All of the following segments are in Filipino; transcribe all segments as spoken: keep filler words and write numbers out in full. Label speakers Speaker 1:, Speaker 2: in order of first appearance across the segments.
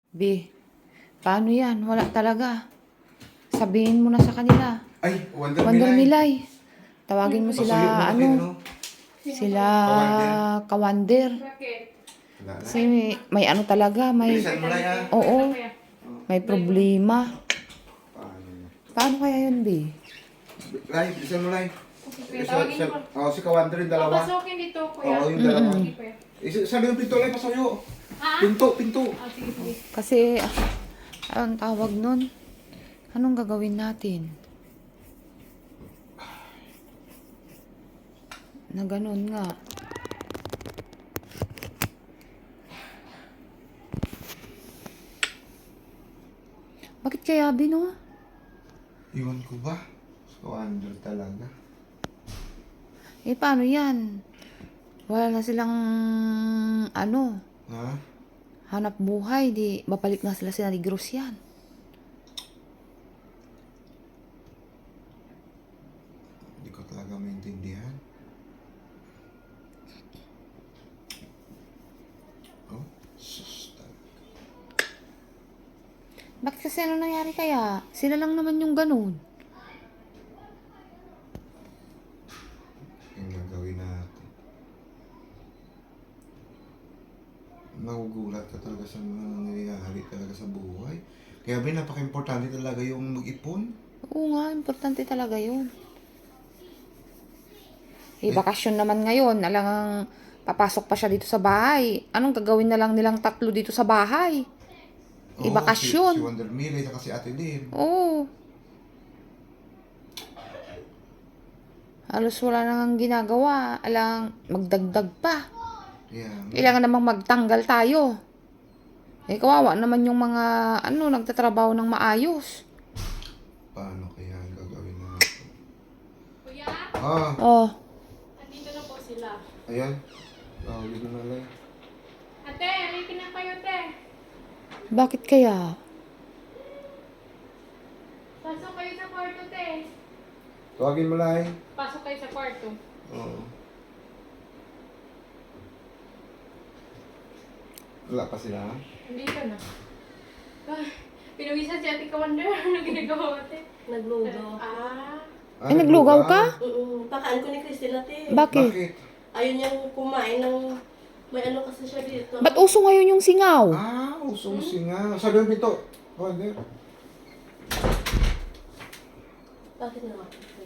Speaker 1: B, paano yan? Wala talaga. Sabihin mo na sa kanila.
Speaker 2: Ay, Wonder,
Speaker 1: Wonder
Speaker 2: Milay.
Speaker 1: Milay. Tawagin mo
Speaker 2: Pasuyo mo
Speaker 1: sila,
Speaker 2: na
Speaker 1: ano,
Speaker 2: kayo, no?
Speaker 1: sila
Speaker 2: Kawander.
Speaker 1: Kawander.
Speaker 3: Bakit?
Speaker 2: Wala na.
Speaker 1: Kasi may, may ano talaga, may,
Speaker 2: Bilisan mo na yan.
Speaker 1: oo, may problema.
Speaker 2: Paano?
Speaker 1: Paano kaya yun, B?
Speaker 2: Lai, bilisan mo, Lai.
Speaker 3: Okay,
Speaker 2: Sa,
Speaker 3: tawagin
Speaker 2: sa,
Speaker 3: mo.
Speaker 2: oh, si Kawander yung dalawa.
Speaker 3: Papasukin dito, kuya.
Speaker 2: Oo, yung dalawa.
Speaker 3: Sige, kuya.
Speaker 2: Eh, sabi yung pinto, Lai, pasuyo.
Speaker 3: Ha?
Speaker 2: Pinto, pinto.
Speaker 3: Ah, sige, sige.
Speaker 1: Kasi, ah, anong tawag nun? Anong gagawin natin? Na ganun nga. Bakit kaya, Bino?
Speaker 2: Iwan ko ba? Si Kawander talaga.
Speaker 1: Eh, paano yan? Wala na silang, ano,
Speaker 2: Ha?
Speaker 1: hanap buhay. Di, babalik na sila sa Negros yan.
Speaker 2: Hindi ko talaga maintindihan. Oh, sus talaga.
Speaker 1: Bakit kasi ano nangyari kaya? Sila lang naman yung ganun.
Speaker 2: Yung gagawin natin. Nagugulat ka talaga sa mga nangyayari talaga sa buhay. Kaya ba napaka-importante talaga yung mag-ipon?
Speaker 1: Oo nga, importante talaga yun. Eh, bakasyon naman ngayon. Alang papasok pa siya dito sa bahay. Anong gagawin na lang nilang tatlo dito sa bahay? Eh,
Speaker 2: Oo,
Speaker 1: bakasyon.
Speaker 2: Si, si Wonder Milay at si Ate Lynn.
Speaker 1: Oo. Halos wala nang ginagawa. Alang, magdagdag pa.
Speaker 2: Yeah.
Speaker 1: Kailangan namang magtanggal tayo. Eh, kawawa naman yung mga, ano, nagtatrabaho ng maayos.
Speaker 2: Paano kaya ang gagawin natin?
Speaker 3: Kuya,
Speaker 2: Ah,
Speaker 1: Oh,
Speaker 3: andito na po sila.
Speaker 2: ayan. Tawagin mo na lang.
Speaker 3: Ate, alipin na kayo, te.
Speaker 1: bakit kaya?
Speaker 3: Pasok kayo sa kwarto, te.
Speaker 2: Tawagin mo lang.
Speaker 3: Pasok kayo sa kwarto.
Speaker 2: Oo. Wala pa sila?
Speaker 3: Andito na. Ah, pinuwisan si Ate Kawander. Ano ginagawa, ate?
Speaker 4: Naglugaw.
Speaker 3: Ah.
Speaker 1: Eh, naglugaw ka?
Speaker 4: Oo, pakaan ko ni Christine ate.
Speaker 1: Bakit?
Speaker 2: Bakit?
Speaker 4: Ayun niyang kumain ng... May ano kasi siya dito.
Speaker 1: Ba't uso ngayon yung singaw?
Speaker 2: Ah, usong nga. Sabi yung pinto. Wonder.
Speaker 4: Bakit naman?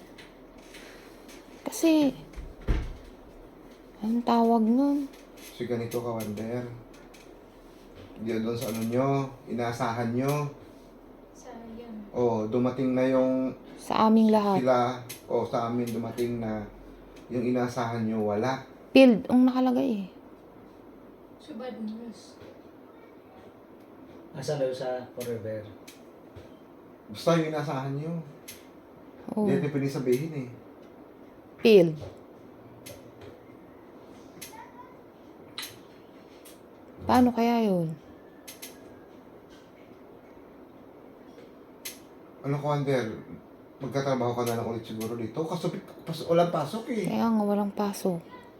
Speaker 1: Kasi, anong tawag nun?
Speaker 2: Si ganito ka, Wonder. Diyan doon sa ano nyo, inaasahan nyo.
Speaker 3: Sayang.
Speaker 2: Oh, dumating na yung
Speaker 1: Sa aming lahat.
Speaker 2: sila, o sa amin dumating na yung inaasahan nyo, wala.
Speaker 1: Field, ang nakalagay eh.
Speaker 3: So bad news.
Speaker 5: Asa daw sa Forever?
Speaker 2: Basta yung inaasahan nyo.
Speaker 1: Oh,
Speaker 2: Hindi natin pwede sabihin eh.
Speaker 1: field. Paano kaya yun?
Speaker 2: Ano ka, Wonder? Magkatrabaho ka na lang ulit siguro dito. Kaso pas, walang pasok eh.
Speaker 1: Kaya nga walang pasok.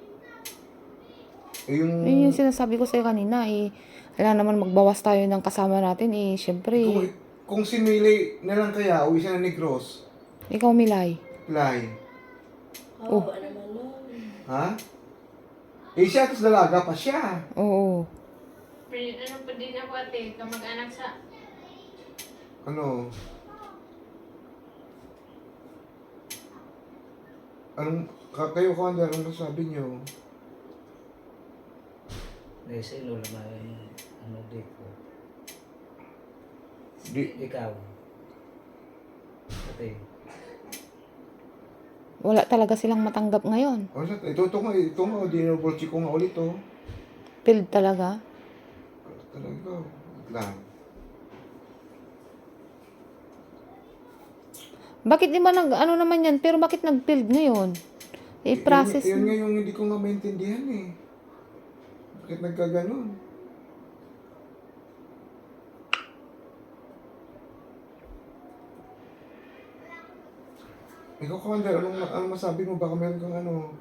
Speaker 2: Eh, yung...
Speaker 1: Yun yung sinasabi ko sa'yo kanina eh. Wala naman magbawas tayo ng kasama natin eh.
Speaker 2: Kung,
Speaker 1: Siyempre,
Speaker 2: kung si Miley na lang kaya, uwi siya na Negros.
Speaker 1: ikaw Milay.
Speaker 2: Fly.
Speaker 1: Oh.
Speaker 4: Oo, ano naman nun.
Speaker 2: Ha? Eh siya, tapos dalaga pa siya.
Speaker 1: Oo.
Speaker 3: Pero ano pa din ako, ate, kamag-anak sa...
Speaker 2: Ano? Anong, ka- kayo, Wonder, anong sabi niyo?
Speaker 5: Kasi lola may ano dito.
Speaker 2: Di,
Speaker 5: Ikaw. Ate.
Speaker 1: Wala talaga silang matanggap ngayon.
Speaker 2: oh, ito, ito nga, ito nga, dinobol ko nga ulit, oh.
Speaker 1: Field talaga.
Speaker 2: Talaga, wait lang.
Speaker 1: Bakit di ba nag, ano naman yan? Pero bakit nag-field ngayon? Eh, process.
Speaker 2: Yun, yun nga yung hindi ko nga maintindihan eh. Bakit nagkaganon? Ikaw, Commander, anong, anong masabi mo? Baka meron kang ano?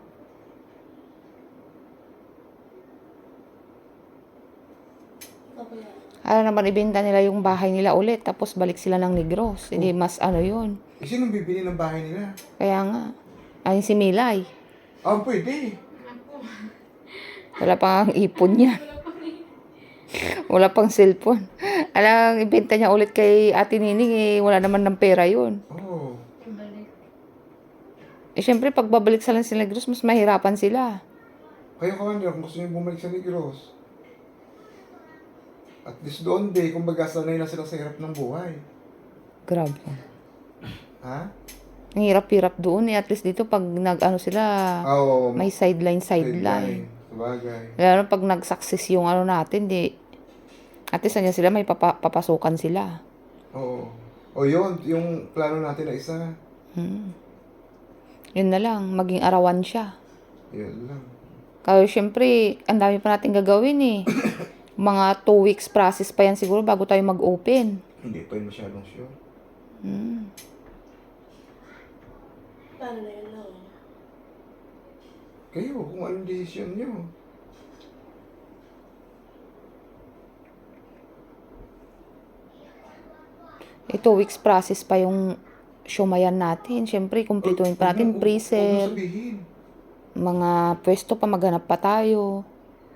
Speaker 4: Ako yan.
Speaker 1: Para naman ibenta nila yung bahay nila ulit, tapos balik sila ng Negros. Hindi mas ano yun.
Speaker 2: Eh, sinong bibili ng bahay nila?
Speaker 1: Kaya nga. Ay, si Milay.
Speaker 2: Ah, pwede.
Speaker 3: Ako.
Speaker 1: Wala pang ipon niya. Wala pang cellphone. Alang, ibenta niya ulit kay Ate Nining, eh, wala naman ng pera yun.
Speaker 2: Oo.
Speaker 3: Ibalik.
Speaker 1: Eh, syempre, pag babalik sa lang sila Negros, mas mahirapan sila.
Speaker 2: Kayo, Commander, kung gusto niyo bumalik sa Negros, at least doon, day, kumbaga sanay na sila sa hirap ng buhay.
Speaker 1: Grabe.
Speaker 2: Ha?
Speaker 1: Ang hirap-hirap doon eh. At least dito, pag nag-ano sila,
Speaker 2: Ah, Oo.
Speaker 1: may sideline-sideline.
Speaker 2: Sabagay.
Speaker 1: Lalo pag nag-success yung ano natin, di, at least nandiyan sila, may papa, papasukan sila.
Speaker 2: Oo. O yun, yung plano natin na isa.
Speaker 1: Hmm. Yun na lang, maging arawan siya.
Speaker 2: Yun lang.
Speaker 1: Kaya syempre, ang dami pa natin gagawin eh. Mga two weeks process pa yan siguro bago tayo mag-open.
Speaker 2: Hindi pa yun masyadong sure.
Speaker 1: Hmm.
Speaker 4: Paano na yun lang?
Speaker 2: Kayo, kung anong desisyon nyo.
Speaker 1: Eh, two weeks process pa yung shumayan natin. Syempre, kumpletuhin pa natin
Speaker 2: Huwag mo- huwag mo
Speaker 1: pre-sale.
Speaker 2: sabihin.
Speaker 1: Mga pwesto pa, maghanap pa tayo.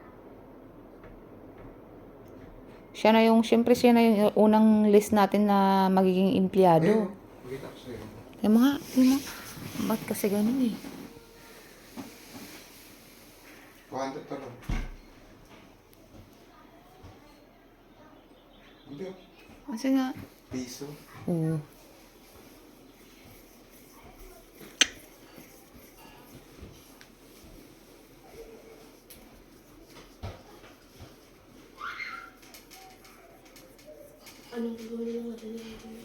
Speaker 1: Siya na yung, syempre siya na yung unang list natin na magiging
Speaker 2: Ayun,
Speaker 1: empleyado.
Speaker 2: makita ko sa'yo.
Speaker 1: Eh mga, mga, ba't kasi ganun eh?
Speaker 2: Kuhanda to lang. Hindi,
Speaker 1: Kasi nga,
Speaker 2: piso.
Speaker 1: oo.
Speaker 4: Anong gagawin lang natin yun?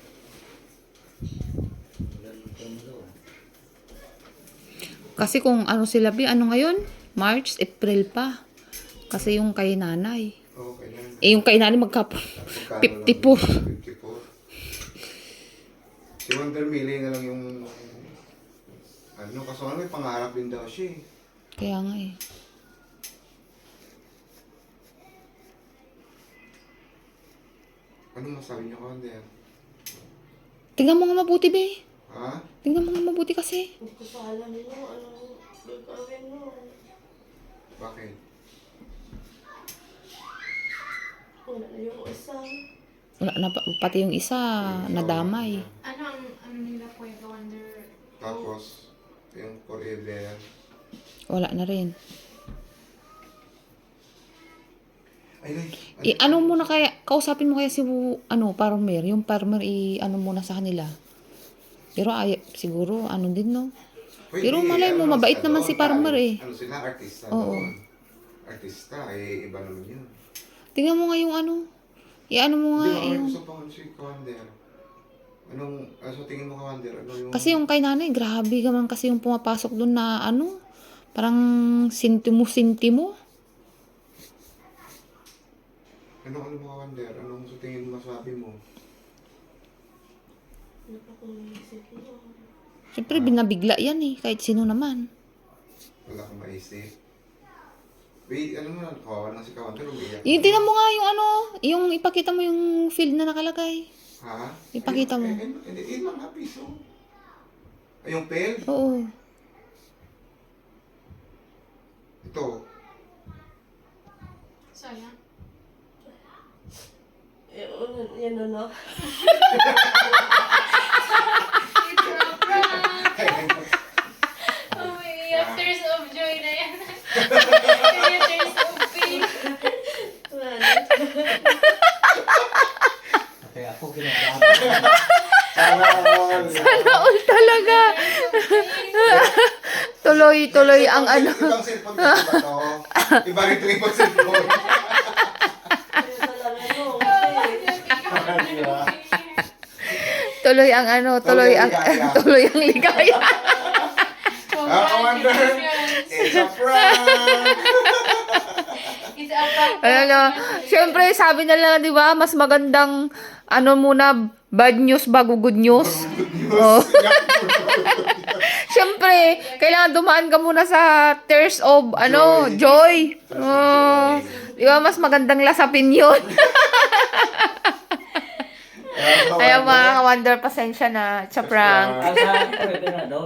Speaker 5: Ganun po mo daw.
Speaker 1: Kasi kung ano sila, Bi, ano ngayon? March, April pa. Kasi yung kay nanay.
Speaker 2: Okay lang.
Speaker 1: Eh, yung kay nanay magka
Speaker 2: Magkano
Speaker 1: fifty-four.
Speaker 2: lang? fifty-four. Si Wonder Millie na lang yung ano, kaso ano, may pangarap din daw siya eh.
Speaker 1: Kaya nga eh.
Speaker 2: Anong masabi niyo, Wonder?
Speaker 1: Tingnan mo nga mabuti, Be.
Speaker 2: Ha?
Speaker 1: Tingnan mo nga mabuti kasi.
Speaker 4: Hindi ko pa alam mo, anong gagawin mo.
Speaker 2: Bakit?
Speaker 4: Wala na yung isa.
Speaker 1: Wala na, pa- pati yung isa, nadamay.
Speaker 3: Ano ang ano nila Kuya Wonder?
Speaker 2: Tapos, yung forever.
Speaker 1: Wala na rin.
Speaker 2: Ay, ay.
Speaker 1: I, ano muna kaya, kausapin mo kaya si, ano, farmer, yung farmer, i, ano muna sa kanila. Pero ay, siguro, ano din, no?
Speaker 2: Pwede,
Speaker 1: Pero malay mo,
Speaker 2: ano,
Speaker 1: mabait
Speaker 2: sa
Speaker 1: naman
Speaker 2: doon,
Speaker 1: si farmer
Speaker 2: tayo.
Speaker 1: eh.
Speaker 2: Ano sila, artista
Speaker 1: Oo.
Speaker 2: doon. Artista, eh, iba naman yun.
Speaker 1: Tingnan mo nga yung ano, i-ano mo nga,
Speaker 2: Hindi mo
Speaker 1: yung,
Speaker 2: gusto pa si Kawander. Anong, ano sa tingin mo Kawander? Ano yung...
Speaker 1: kasi yung kay nanay, grabe gaman kasi yung pumapasok doon na, ano, parang sintimo-sintimo.
Speaker 2: Ano, ano mo Kawander? Anong sa tingin mo masabi mo?
Speaker 4: Ano pa kung naisip mo?
Speaker 1: Siyempre, binabigla yan eh, kahit sino naman.
Speaker 2: Wala kang maisip. Wait, ano mo na, kawawa na si Kawander, umiiyak.
Speaker 1: Yung tingnan mo nga yung ano, yung ipakita mo yung field na nakalagay.
Speaker 2: Ha?
Speaker 1: Ipakita mo.
Speaker 2: Eh, eh, Hindi, eh, mga piso. Ay, yung pen?
Speaker 1: Oo.
Speaker 2: Ito.
Speaker 3: Sayang.
Speaker 4: Eh, ano, yan ano.
Speaker 3: It's a prank! Umiiyak. Tears of joy na yan. Kaya tears of pain.
Speaker 4: Wala na.
Speaker 5: Kaya ako ginagamit.
Speaker 2: Sana all.
Speaker 1: Sana all talaga. tuloy, tuloy ang ano.
Speaker 2: Ibang cellphone ko ba to? Iba rin ito ibang cellphone.
Speaker 4: Kaya talaga no. Kasi,
Speaker 1: Tuloy ang ano, tuloy ang, tuloy ang ligaya.
Speaker 2: Ah, Kawander! It's a prank!
Speaker 3: It's a prank.
Speaker 1: Ayan na. Siyempre, sabi nila, di ba, mas magandang, ano muna, bad news bago good news. Oh. Siyempre, kailangan dumaan ka muna sa tears of, ano, joy. Oh. Di ba, mas magandang lasapin yun. Ayaw mga ka-wonder, pasensya na. It's a prank.
Speaker 5: Asa, pwede na daw.